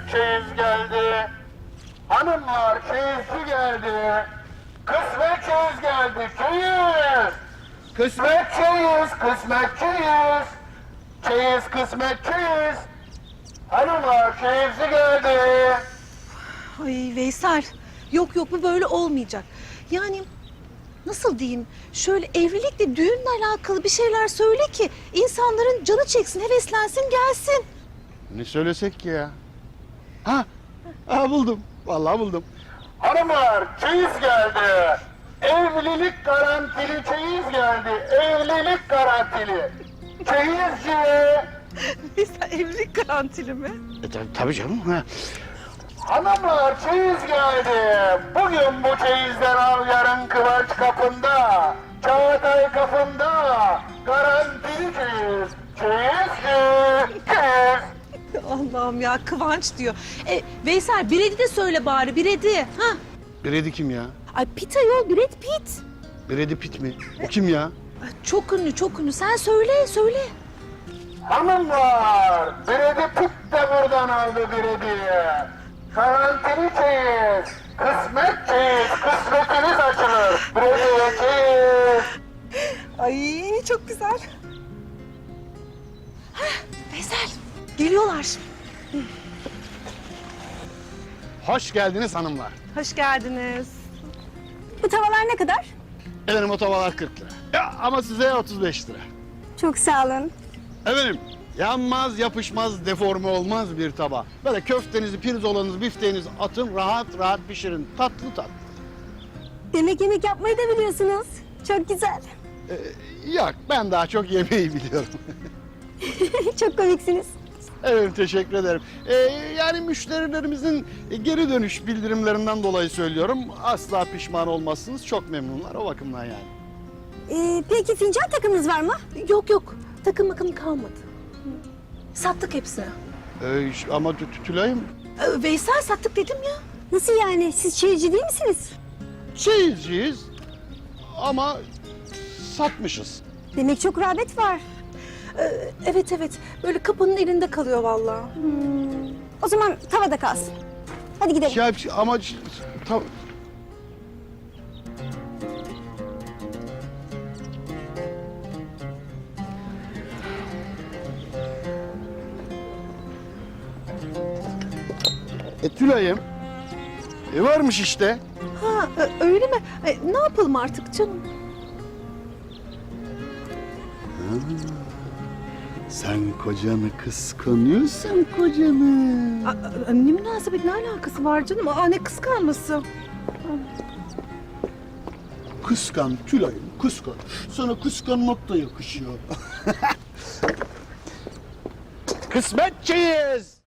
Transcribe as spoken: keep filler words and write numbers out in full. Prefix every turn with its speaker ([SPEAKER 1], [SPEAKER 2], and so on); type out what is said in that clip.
[SPEAKER 1] çeyiz geldi. Hanımlar çeyizci geldi. Kısmet çeyiz geldi. Çeyiz. Kısmet çeyiz, kısmet çeyiz. Çeyiz, kısmet çeyiz. Hanımlar çeyizci geldi.
[SPEAKER 2] Ay Veysel, yok yok bu böyle olmayacak. Yani nasıl diyeyim, şöyle evlilikle düğünle alakalı bir şeyler söyle ki insanların canı çeksin, heveslensin, gelsin.
[SPEAKER 3] Ne söylesek ki ya? Ha, ha buldum. Vallahi buldum.
[SPEAKER 1] Hanımlar çeyiz geldi. Evlilik garantili çeyiz geldi. Evlilik garantili. Çeyizci.
[SPEAKER 2] Veysel evlilik garantili mi?
[SPEAKER 3] E, tabii, tabii canım. Ha.
[SPEAKER 1] Hanımlar çeyiz geldi. Bugün bu çeyizden al, yarın Kıvanç kapında. Çağatay kapında. Garantili çeyiz. Çeyizci. Çeyiz.
[SPEAKER 2] Allah'ım ya, Kıvanç diyor. E, Veysel Brady de söyle bari, Brady. Ha?
[SPEAKER 3] Brady kim ya?
[SPEAKER 2] Ay Pitt ayol, Brad Pitt.
[SPEAKER 3] Brady Pitt mi? O kim ya?
[SPEAKER 2] Ay, çok ünlü, çok ünlü. Sen söyle, söyle.
[SPEAKER 1] Hanımlar, Brady Pitt de buradan aldı Brady'yi. Garantili çeyiz. Kısmet çeyiz. Kısmetiniz açılır. Brady'ye çeyiz.
[SPEAKER 2] Ay çok güzel. Hah, Veysel, geliyorlar.
[SPEAKER 3] Hoş geldiniz hanımlar.
[SPEAKER 2] Hoş geldiniz.
[SPEAKER 4] Bu tavalar ne kadar?
[SPEAKER 3] Efendim o tavalar kırk lira. Ya, ama size otuz beş lira.
[SPEAKER 4] Çok sağ olun.
[SPEAKER 3] Efendim yanmaz, yapışmaz, deforme olmaz bir tava. Böyle köftenizi, pirzolanızı, bifteğinizi atın, rahat rahat pişirin. Tatlı tatlı.
[SPEAKER 4] Demek yemek yapmayı da biliyorsunuz. Çok güzel.
[SPEAKER 3] Ee, yok, ben daha çok yemeği biliyorum.
[SPEAKER 4] Çok komiksiniz.
[SPEAKER 3] Evet, teşekkür ederim. Ee, yani müşterilerimizin geri dönüş bildirimlerinden dolayı söylüyorum. Asla pişman olmazsınız. Çok memnunlar o bakımdan yani.
[SPEAKER 4] Ee, peki fincan takımınız var mı?
[SPEAKER 2] Yok yok, takım makım kalmadı. Sattık hepsini.
[SPEAKER 3] Ee, ş- ama Tü- Tü- Tülay'ım
[SPEAKER 2] Ee, Veysel sattık dedim ya.
[SPEAKER 4] Nasıl yani? Siz çaycı değil misiniz?
[SPEAKER 3] şeyizciyiz ama satmışız.
[SPEAKER 4] Demek çok rağbet var.
[SPEAKER 2] Ee, evet evet, böyle kapının elinde kalıyor vallahi.
[SPEAKER 4] Hmm. O zaman tavada kalsın. Hadi gidelim.
[SPEAKER 3] Şey, şey- ama ş- ta- E Tülay'ım. E varmış işte.
[SPEAKER 2] Ha e, öyle mi? E, ne yapalım artık canım?
[SPEAKER 3] Sen kocanı kıskanıyorsun kocanı.
[SPEAKER 2] A, a, ne münasebet, ne alakası var canım? Aa, ne kıskanması?
[SPEAKER 3] Kıskan Tülay'ım kıskan. Sana kıskanmak da yakışıyor. Kısmetçiyiz.